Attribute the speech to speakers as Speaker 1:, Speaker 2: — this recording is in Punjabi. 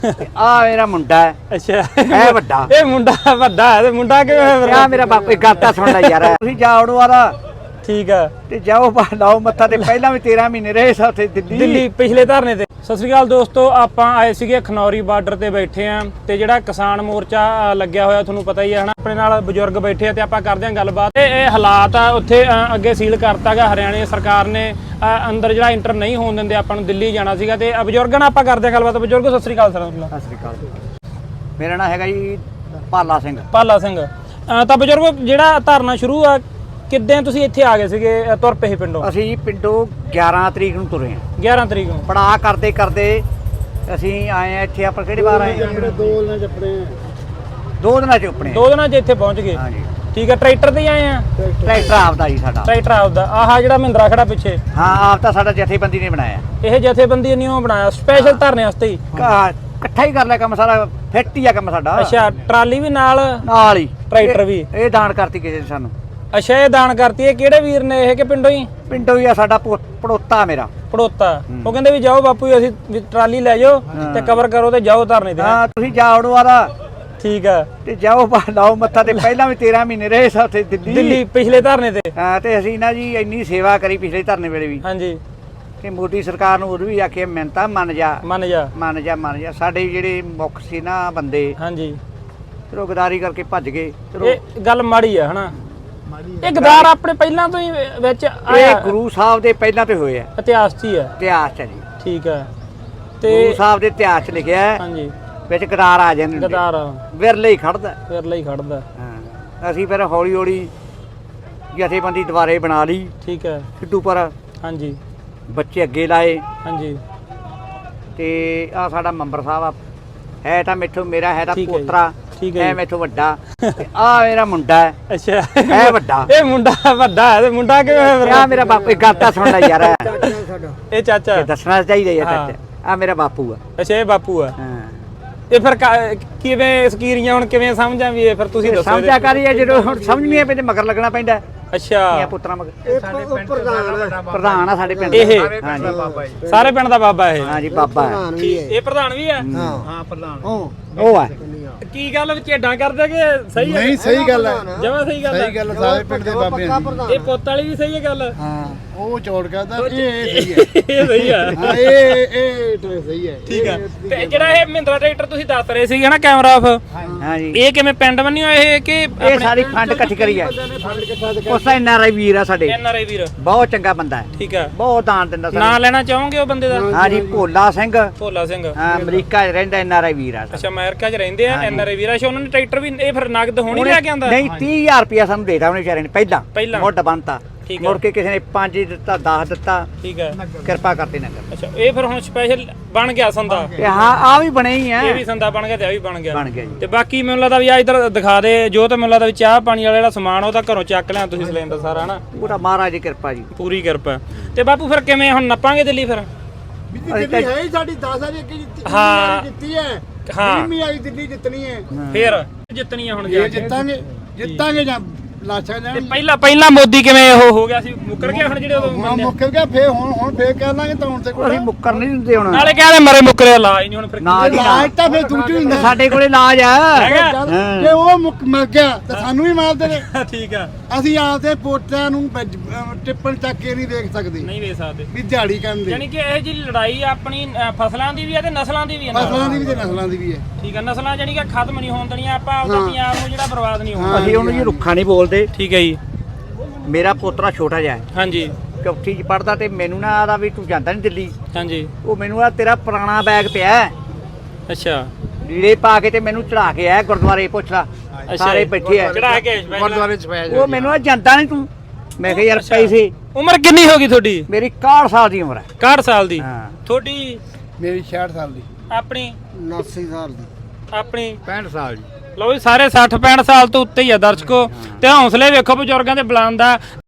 Speaker 1: ਆ ਮੇਰਾ ਮੁੰਡਾ ਹੈ।
Speaker 2: ਅੱਛਾ
Speaker 1: ਇਹ ਵੱਡਾ
Speaker 2: ਇਹ ਮੁੰਡਾ ਵੱਡਾ ਹੈ ਤੇ ਮੁੰਡਾ ਕਿਵੇਂ
Speaker 1: ਆ ਮੇਰਾ ਬਾਪ ਇੱਕ ਗਾਤਾ ਸੁਣ ਲੈ ਯਾਰ ਤੁਸੀਂ ਜਾ ਉੜੋ ਆਦਾ
Speaker 2: ਠੀਕ ਆ
Speaker 1: ਤੇ ਜਾਓ ਲਾਓ ਮੱਥਾ ਤੇ ਪਹਿਲਾਂ ਵੀ 13 ਮਹੀਨੇ ਰਹੇ ਸਾਥੇ
Speaker 2: ਦਿੱਲੀ ਪਿਛਲੇ ਧਰਨੇ ਤੇ। ਸਤਿ ਸ੍ਰੀ ਅਕਾਲ ਦੋਸਤੋ, ਆਪਾਂ ਆਏ ਸੀਗੇ ਖਨੌਰੀ ਬਾਰਡਰ ਤੇ ਬੈਠੇ ਆ ਤੇ ਜਿਹੜਾ ਕਿਸਾਨ ਮੋਰਚਾ ਲੱਗਿਆ ਹੋਇਆ ਤੁਹਾਨੂੰ ਪਤਾ ਹੀ ਹੈ ਹਨਾ। ਆਪਣੇ ਨਾਲ ਬਜ਼ੁਰਗ ਬੈਠੇ ਆ ਤੇ ਆਪਾਂ ਕਰਦੇ ਆਂ ਗੱਲਬਾਤ। ਇਹ ਹਾਲਾਤ ਆ ਉੱਥੇ ਅੱਗੇ ਸੀਲ ਕਰਤਾਗਾ ਹਰਿਆਣੇ ਸਰਕਾਰ ਨੇ, ਅੰਦਰ ਜਿਹੜਾ ਇੰਟਰ ਨਹੀਂ ਹੋਣ ਦਿੰਦੇ ਆਪਾਂ ਨੂੰ। ਦਿੱਲੀ ਜਾਣਾ ਸੀਗਾ ਤੇ ਬਜ਼ੁਰਗਾਂ ਨਾਲ ਆਪਾਂ ਕਰਦੇ ਆਂ ਗੱਲਬਾਤ। ਬਜ਼ੁਰਗੋ ਸਤਿ ਸ੍ਰੀ ਅਕਾਲ ਸਰ।
Speaker 1: ਸਤਿ ਸ੍ਰੀ ਅਕਾਲ। ਮੇਰਾ ਨਾਮ ਹੈਗਾ ਜੀ ਭਾਲਾ ਸਿੰਘ।
Speaker 2: ਭਾਲਾ ਸਿੰਘ। ਤਾਂ ਬਜ਼ੁਰਗੋ ਜਿਹੜਾ ਧਰਨਾ ਸ਼ੁਰੂ ਆ ਕਿੱਦਾਂ ਤੁਸੀਂ ਇੱਥੇ ਆ ਗਏ ਸੀਗੇ, ਤੁਰ ਪਏ ਪਿੰਡੋਂ?
Speaker 1: ਅਸੀਂ ਜੀ ਪਿੰਡੋਂ 11 ਤਰੀਕ ਨੂੰ ਤੁਰੇ ਆ।
Speaker 2: 11 ਤਰੀਕ ਨੂੰ
Speaker 1: ਪੜਾਅ ਕਰਦੇ ਕਰਦੇ ਅਸੀਂ ਆਏ ਆ ਇੱਥੇ। ਆਪਾਂ ਕਿਹੜੀ ਵਾਰ ਆਏ? 2 ਦਿਨਾਂ ਚ ਆਪਣੇ
Speaker 2: 2 ਦਿਨਾਂ 'ਚ ਇੱਥੇ ਪਹੁੰਚ ਗਏ।
Speaker 1: ਹਾਂਜੀ
Speaker 2: ਠੀਕ ਹੈ। ਟਰੈਕਟਰ ਤੇ ਹੀ ਆਏ ਆ?
Speaker 1: ਟਰੈਕਟਰ ਆਪਦਾ ਜੀ ਸਾਡਾ।
Speaker 2: ਟਰੈਕਟਰ ਆਪਦਾ। ਆਹ ਜਿਹੜਾ ਮਹਿੰਦਰਾ ਖੜਾ ਪਿੱਛੇ,
Speaker 1: ਹਾਂ ਆਪ ਤਾਂ ਸਾਡਾ ਜਥੇਬੰਦੀ ਨੇ ਬਣਾਇਆ।
Speaker 2: ਇਹ ਜਥੇਬੰਦੀ ਨੇ ਉਹ ਬਣਾਇਆ ਸਪੈਸ਼ਲ ਧਰਨੇ ਵਾਸਤੇ ਹੀ।
Speaker 1: ਇਕੱਠਾ ਹੀ ਕਰ ਲਿਆ ਕੰਮ ਸਾਰਾ, ਫਿੱਟ ਹੀ ਆ ਕੰਮ ਸਾਡਾ।
Speaker 2: ਅੱਛਾ, ਟਰਾਲੀ ਵੀ ਨਾਲ
Speaker 1: ਹੀ
Speaker 2: ਟਰੈਕਟਰ ਵੀ?
Speaker 1: ਇਹ ਦਾਨ ਕਰਤੀ ਕਿਸੇ ਨੇ ਸਾਨੂੰ।
Speaker 2: ਅੱਛਾ, ਇਹ ਦਾਨ ਕਰਤੀ। ਇਹ ਕਿਹੜੇ ਵੀਰ ਨੇ ਇਹ ਕਿ ਪਿੰਡੋਂ ਹੀ?
Speaker 1: ਪਿੰਡੋਂ ਹੀ ਆ ਸਾਡਾ ਪੜੋਤਾ ਮੇਰਾ
Speaker 2: ਪੜੋਤਾ। ਉਹ ਕਹਿੰਦੇ ਵੀ ਜਾਓ ਬਾਪੂ ਜੀ, ਅਸੀਂ ਵੀ ਟਰਾਲੀ ਲੈ ਜਾਓ ਤੇ ਕਵਰ ਕਰੋ ਤੇ ਜਾਓ ਧਰਨੇ ਤੇ।
Speaker 1: ਹਾਂ ਤੁਸੀਂ ਜਾ ਉੜੋ ਆਦਾ
Speaker 2: ਠੀਕ ਆ
Speaker 1: ਤੇ ਜਾਓ ਲਾਓ ਮੱਥਾ ਤੇ ਪਹਿਲਾਂ ਵੀ 13 ਮਹੀਨੇ ਰਹੇ ਸਾਥੇ
Speaker 2: ਦਿੱਲੀ ਪਿਛਲੇ ਧਰਨੇ ਤੇ।
Speaker 1: ਹਾਂ ਤੇ ਅਸੀਂ ਨਾ ਜੀ ਇੰਨੀ ਸੇਵਾ ਕਰੀ ਪਿਛਲੇ ਧਰਨੇ ਵੇਲੇ ਵੀ
Speaker 2: ਹਾਂਜੀ।
Speaker 1: ਕਿ ਮੋਦੀ ਸਰਕਾਰ ਨੂੰ ਉਦੋਂ ਵੀ ਆਖਿਆ ਮਿਹਨਤਾਂ ਮੰਨ ਜਾ
Speaker 2: ਮੰਨ ਜਾ
Speaker 1: ਮੰਨ ਜਾ ਮੰਨ ਜਾ। ਸਾਡੇ ਜਿਹੜੇ ਮੁੱਖ ਸੀ ਨਾ ਬੰਦੇ,
Speaker 2: ਹਾਂਜੀ,
Speaker 1: ਚਲੋ ਗਦਾਰੀ ਕਰਕੇ ਭੱਜ ਗਏ। ਚਲੋ
Speaker 2: ਇਹ ਗੱਲ ਮਾੜੀ ਆ ਹਨਾ। ਇਹ ਗਦਾਰ ਆਪਣੇ ਪਹਿਲਾਂ ਤੋਂ ਹੀ ਵਿੱਚ
Speaker 1: ਇਹ
Speaker 2: ਆਇਆ,
Speaker 1: ਗੁਰੂ ਸਾਹਿਬ ਦੇ ਪਹਿਲਾਂ ਤੋਂ ਹੋਏ ਆ।
Speaker 2: ਇਤਿਹਾਸ 'ਚ ਹੀ ਆ।
Speaker 1: ਇਤਿਹਾਸ ਚ ਜੀ,
Speaker 2: ਠੀਕ ਆ।
Speaker 1: ਗੁਰੂ
Speaker 2: ਤੇ
Speaker 1: ਸਾਹਿਬ ਦੇ ਇਤਿਹਾਸ ਚ ਲਿਖਿਆ ਹੈ,
Speaker 2: ਹਾਂਜੀ,
Speaker 1: ਵਿੱਚ ਗਦਾਰ ਆ ਜਾਂਦੇ ਨੇ।
Speaker 2: ਗਦਾਰ
Speaker 1: ਵਿਰਲੇ ਹੀ ਖੜਦਾ।
Speaker 2: ਫਿਰ ਲਈ ਖੜਦਾ।
Speaker 1: ਹਾਂ ਅਸੀਂ ਫਿਰ ਹੌਲੀ ਹੌਲੀ ਜਥੇਬੰਦੀ ਦੁਬਾਰੇ ਬਣਾ ਲਈ
Speaker 2: ਠੀਕ ਹੈ।
Speaker 1: ਸਿੱਧੂ ਪਰ
Speaker 2: ਹਾਂਜੀ
Speaker 1: ਬੱਚੇ ਅੱਗੇ ਲਾਏ
Speaker 2: ਹਾਂਜੀ
Speaker 1: ਤੇ ਆ ਸਾਡਾ ਮੈਂਬਰ ਸਾਹਿਬ ਆ, ਹੈ ਤਾਂ ਮੈਥੋਂ ਮੇਰਾ ਹੈ ਤਾਂ
Speaker 2: ਠੀਕ ਹੈ ਜੀ।
Speaker 1: ਪੋਤਰਾ,
Speaker 2: ਠੀਕ ਹੈ
Speaker 1: ਹੈ
Speaker 2: ਜੀ।
Speaker 1: ਮੈਥੋਂ ਵੱਡਾ। ਆ ਮੇਰਾ ਮੁੰਡਾ ਹੈ।
Speaker 2: ਅੱਛਾ,
Speaker 1: ਇਹ ਵੱਡਾ
Speaker 2: ਇਹ ਮੁੰਡਾ ਵੱਡਾ ਹੈ ਤੇ ਮੁੰਡਾ ਕਿਵੇਂ?
Speaker 1: ਆ ਮੇਰਾ ਬਾਪੂ ਇੱਕ ਗਾਤਾ ਸੁਣ ਲੈ ਯਾਰ
Speaker 2: ਇਹ ਚਾਚਾ।
Speaker 1: ਇਹ ਦੱਸਣਾ ਚਾਹੀਦਾ ਯਾਰ
Speaker 2: ਹਾਂ।
Speaker 1: ਚਾਚਾ। ਆ ਮੇਰਾ ਬਾਪੂ ਆ।
Speaker 2: ਅੱਛਾ, ਇਹ ਬਾਪੂ ਆ।
Speaker 1: ਹਾਂ
Speaker 2: ਇਹ ਫਿਰ ਕਿਵੇਂ ਸਕੀਰੀਆਂ ਹੁਣ ਕਿਵੇਂ ਸਮਝਾਂ ਵੀ ਇਹ ਫਿਰ ਤੁਸੀਂ ਦੱਸੋ।
Speaker 1: ਸਮਝਿਆ ਕਰੀਏ ਜਦੋਂ ਹੁਣ ਸਮਝ ਨਹੀਂ ਆ ਪੈਂਦੇ, ਮਗਰ ਲੱਗਣਾ ਪੈਂਦਾ।
Speaker 2: ਅੱਛਾ,
Speaker 1: ਇਹ ਪੁੱਤਰਾਂ ਮਗਰ ਪ੍ਰਧਾਨ ਆ ਸਾਡੇ ਪਿੰਡ
Speaker 2: ਇਹ?
Speaker 1: ਹਾਂਜੀ
Speaker 2: ਸਾਰੇ ਪਿੰਡ ਦਾ ਬਾਬਾ ਇਹ?
Speaker 1: ਹਾਂਜੀ ਬਾਬਾ ਹੈ।
Speaker 2: ਇਹ ਪ੍ਰਧਾਨ ਵੀ ਆ?
Speaker 1: ਹਾਂ ਪ੍ਰਧਾਨ ਉਹ ਆ।
Speaker 2: ਕੀ ਗੱਲ ਵਿੱਚ ਏਡਾਂ ਕਰਦੇ ਕਿ ਸਹੀ ਹੈ?
Speaker 3: ਨਹੀਂ ਸਹੀ ਗੱਲ ਹੈ,
Speaker 2: ਜਮਾ ਸਹੀ ਗੱਲ ਹੈ।
Speaker 3: ਸਹੀ ਗੱਲ ਸਾਰੇ ਪਿੰਡ ਦੇ ਬਾਬੇ ਆ ਜੀ।
Speaker 2: ਇਹ ਪੁੱਤ ਵਾਲੀ ਵੀ ਸਹੀ ਹੈ ਗੱਲ?
Speaker 3: ਹਾਂ ਉਹ ਚੋੜ ਕਰਦਾ, ਇਹ ਸਹੀ ਹੈ।
Speaker 2: ਇਹ ਸਹੀ ਆ।
Speaker 3: ਹਾਂ ਇਹ ਸਹੀ ਹੈ।
Speaker 2: ਠੀਕ ਆ। ਤੇ ਜਿਹੜਾ ਇਹ ਮਹਿੰਦਰਾ ਟਰੈਕਟਰ ਤੁਸੀਂ ਦੱਸ ਰਹੇ ਸੀ ਨਾ ਕੈਮਰਾ ਆਫ,
Speaker 1: ਹਾਂਜੀ
Speaker 2: ਇਹ ਕਿਵੇਂ ਪਿੰਡ ਬੰਨੀ ਹੋਇਆ ਇਹ ਕਿ
Speaker 1: ਇਹ ਸਾਰੀ ਫੰਡ ਇਕੱਠੀ ਕਰੀ ਹੈ। ਉਸ ਦਾ NRI ਵੀਰ ਆ ਸਾਡੇ,
Speaker 2: NRI ਵੀਰ?
Speaker 1: ਬਹੁਤ ਚੰਗਾ ਬੰਦਾ ਹੈ,
Speaker 2: ਠੀਕ ਆ।
Speaker 1: ਬਹੁਤ ਦਾਨ ਦਿੰਦਾ
Speaker 2: ਨਾਂ
Speaker 1: ਸਾਨੂੰ।
Speaker 2: ਲੈਣਾ ਚਾਹੋਗੇ ਉਹ ਬੰਦੇ ਦਾ?
Speaker 1: ਹਾਂਜੀ ਭੋਲਾ ਸਿੰਘ,
Speaker 2: ਭੋਲਾ ਸਿੰਘ।
Speaker 1: ਹਾਂ ਅਮਰੀਕਾ 'ਚ ਰਹਿੰਦਾ NRI ਵੀਰ ਆ।
Speaker 2: ਅੱਛਾ, ਅਮਰੀਕਾ 'ਚ ਰਹਿੰਦੇ ਆ NRI ਵੀਰ। ਅੱਛਾ, ਉਹਨਾਂ ਨੇ ਟਰੈਕਟਰ ਵੀ ਇਹ ਫਿਰ ਨਗਦ ਹੋਣੀ ਲੈ ਕੇ ਆਂਦਾ?
Speaker 1: ਨਹੀਂ 30,000 ਰੁਪਇਆ ਸਾਨੂੰ ਦੇਤਾ ਉਹਨੇ ਵਿਚਾਰੇ ਨੇ ਪਹਿਲਾਂ ਮੁੱਢ ਬੰਨਤਾ।
Speaker 2: ਠੀਕ ਹੈ।
Speaker 1: ਮੁੜ ਕੇ ਕਿਸੇ ਨੇ 5 ਦਿੱਤਾ, 10 ਦਿੱਤਾ।
Speaker 2: ਠੀਕ ਹੈ।
Speaker 1: ਕਿਰਪਾ ਕਰਤੇ ਨਗਰ।
Speaker 2: ਅੱਛਾ, ਇਹ ਫਿਰ ਹੁਣ ਸਪੈਸ਼ਲ ਬਣ ਗਿਆ ਸੰਦਾ?
Speaker 1: ਤੇ ਹਾਂ ਆ ਵੀ ਬਣੇ ਹੀ ਆ।
Speaker 2: ਇਹ ਵੀ ਸੰਦਾ ਬਣ ਗਿਆ ਤੇ ਆ ਵੀ ਬਣ ਗਿਆ।
Speaker 1: ਬਣ ਗਿਆ ਜੀ।
Speaker 2: ਤੇ ਬਾਕੀ ਮੈਨੂੰ ਲੱਗਦਾ ਵੀ ਆ ਇਧਰ ਦਿਖਾ ਦੇ ਜੋ, ਤੇ ਮੈਨੂੰ ਲੱਗਦਾ ਵੀ ਚਾਹ ਪਾਣੀ ਵਾਲਾ ਜਿਹੜਾ ਸਮਾਨ ਉਹ ਤਾਂ ਘਰੋਂ ਚੱਕ ਲਿਆ ਤੁਸੀਂ ਸਿਲੰਡਰ ਸਾਰਾ ਹਨਾ?
Speaker 1: ਪੂਰਾ ਮਹਾਰਾਜ ਦੀ ਕਿਰਪਾ ਜੀ,
Speaker 2: ਪੂਰੀ ਕਿਰਪਾ। ਤੇ ਬਾਪੂ ਫਿਰ ਕਿਵੇਂ ਹੁਣ ਨੱਪਾਂਗੇ ਦਿੱਲੀ ਫਿਰ?
Speaker 3: ਦਿੱਲੀ ਹੈ ਹੀ ਸਾਡੀ 10 ਵਾਰੀ ਅੱਗੇ
Speaker 2: ਹਾਂ।
Speaker 3: ਜਿੱਤੀ ਹੈ।
Speaker 2: ਹਾਂ
Speaker 3: ਵੀ ਆਈ ਦਿੱਲੀ ਜਿੱਤਣੀ ਹੈ।
Speaker 2: ਫਿਰ ਜਿੱਤਣੀ ਆ ਹੁਣ ਜਾ
Speaker 3: ਇਹ
Speaker 2: ਕੇ।
Speaker 3: ਜਿੱਤਾਂਗੇ ਜਾਂ ਲਾਸ਼ਾਂ
Speaker 2: ਤੇ
Speaker 3: ਜਾਣ।
Speaker 2: ਪਹਿਲਾਂ ਮੋਦੀ ਕਿਵੇਂ ਉਹ ਹੋ ਗਿਆ ਸੀ, ਮੁੱਕਰ ਗਿਆ ਹੁਣ ਜਿਹੜੇ ਉਦੋਂ
Speaker 3: ਹੁਣ
Speaker 2: ਬੰਦੇ?
Speaker 3: ਮੁੱਕਰ ਗਿਆ, ਫੇਰ ਹੁਣ ਫੇਰ ਕਹਿ ਲਾਂਗੇ ਤਾਂ ਹੁਣ ਤੇ
Speaker 1: ਅਸੀਂ ਮੁੱਕਰ ਨਹੀਂ ਦਿੰਦੇ ਹੁਣ।
Speaker 2: ਨਾਲੇ ਕਹਿੰਦੇ ਮਰੇ ਮੁੱਕਰੇ ਇਲਾਜ ਨਹੀਂ ਹੁਣ ਫਿਰ
Speaker 1: ਨਾ ਜੀ ਨਾ,
Speaker 3: ਲਾਜ ਤਾਂ ਫੇਰ ਦੂਜੀ ਹੁੰਦਾ।
Speaker 1: ਸਾਡੇ ਕੋਲੇ ਇਲਾਜ ਆ।
Speaker 2: ਹੈਗਾ?
Speaker 3: ਜੇ ਉਹ ਮਰ ਗਿਆ ਤਾਂ ਸਾਨੂੰ ਵੀ ਮਾਰ ਦੇਵੇ।
Speaker 2: ਠੀਕ ਆ।
Speaker 3: ਅਸੀਂ ਆਪਦੇ ਪੋਟਿਆਂ ਨੂੰ ਟਿੱਪਣ ਚੱਕ ਕੇ ਨਹੀਂ ਦੇਖ ਸਕਦੇ
Speaker 2: ਨਹੀਂ ਵੇਚ ਸਕਦੇ।
Speaker 3: ਵੀ ਦਿਹਾੜੀ ਕਰਦੇ।
Speaker 2: ਯਾਨੀ ਕਿ ਇਹ ਜੀ ਲੜਾਈ ਆਪਣੀ ਫਸਲਾਂ ਦੀ ਵੀ ਹੈ ਤੇ ਨਸਲਾਂ ਦੀ ਵੀ ਹੈ ਨਾਲ।
Speaker 3: ਫਸਲਾਂ ਦੀ ਵੀ ਤੇ ਨਸਲਾਂ ਦੀ ਵੀ ਹੈ।
Speaker 2: ਠੀਕ ਹੈ। ਨਸਲਾਂ ਜਾਨੀ ਕਿ ਖਤਮ ਨਹੀਂ ਹੋਣ ਦੇਣੀਆਂ ਆਪਾਂ, ਆਪਦਾ ਪੰਜਾਬ ਨੂੰ ਜਿਹੜਾ ਬਰਬਾਦ ਨਹੀਂ ਹੋਣਾ।
Speaker 1: ਅਸੀਂ ਉਹਨੂੰ ਜੀ ਰੁੱਖਾ ਨਹੀਂ ਬੋਲਦੇ।
Speaker 2: ਠੀਕ ਹੈ ਜੀ।
Speaker 1: ਮੇਰਾ ਪੋਤਰਾ ਛੋਟਾ ਜਿਹਾ ਹੈ,
Speaker 2: ਹਾਂਜੀ
Speaker 1: ਚੌਥੀ 'ਚ ਪੜਦਾ, ਤੇ ਮੈਨੂੰ ਨਾ ਆਦਾ ਵੀ ਤੂੰ ਜਾਂਦਾ ਨਹੀਂ ਦਿੱਲੀ।
Speaker 2: ਹਾਂਜੀ।
Speaker 1: ਉਹ ਮੈਨੂੰ ਆ ਤੇਰਾ ਪੁਰਾਣਾ ਬੈਗ ਪਿਆ ਹੈ,
Speaker 2: ਅੱਛਾ
Speaker 1: ਲੀੜੇ ਪਾ ਕੇ ਤੇ ਮੈਨੂੰ ਚੜਾ ਕੇ ਆਇਆ ਗੁਰਦੁਆਰੇ। ਪੁੱਛ ਲਾ, ਸਾਰੇ ਬੈਠੇ ਆ
Speaker 2: ਚੜਾ ਕੇ
Speaker 3: ਗੁਰਦੁਆਰੇ ਚ ਪਾਇਆ
Speaker 1: ਉਹ ਮੈਨੂੰ ਆ ਜਾਂਦਾ ਨਹੀਂ ਤੂੰ। ਮੈਂ ਕਿਹਾ ਯਾਰ ਪੈਸੇ।
Speaker 2: ਉਮਰ ਕਿੰਨੀ ਹੋ ਗਈ ਤੁਹਾਡੀ?
Speaker 1: ਮੇਰੀ 61 ਸਾਲ ਦੀ ਉਮਰ ਹੈ।
Speaker 2: 61 ਸਾਲ ਦੀ।
Speaker 1: ਹਾਂ
Speaker 2: ਤੁਹਾਡੀ?
Speaker 3: ਮੇਰੀ 66 ਸਾਲ ਦੀ।
Speaker 2: ਆਪਣੀ?
Speaker 3: 79 ਸਾਲ ਦੀ।
Speaker 2: ਆਪਣੀ
Speaker 3: 65 ਸਾਲ ਦੀ।
Speaker 2: ਲਓ ਜੀ, ਸਾਰੇ 60 65 ਸਾਲ ਤੋਂ ਉੱਤੇ ਹੀ ਆ ਦਰਸ਼ਕੋ। ਤੇ ਹੌਸਲੇ ਵੇਖੋ ਬਜ਼ੁਰਗਾਂ ਦੇ ਬੁਲੰਦ ਦਾ।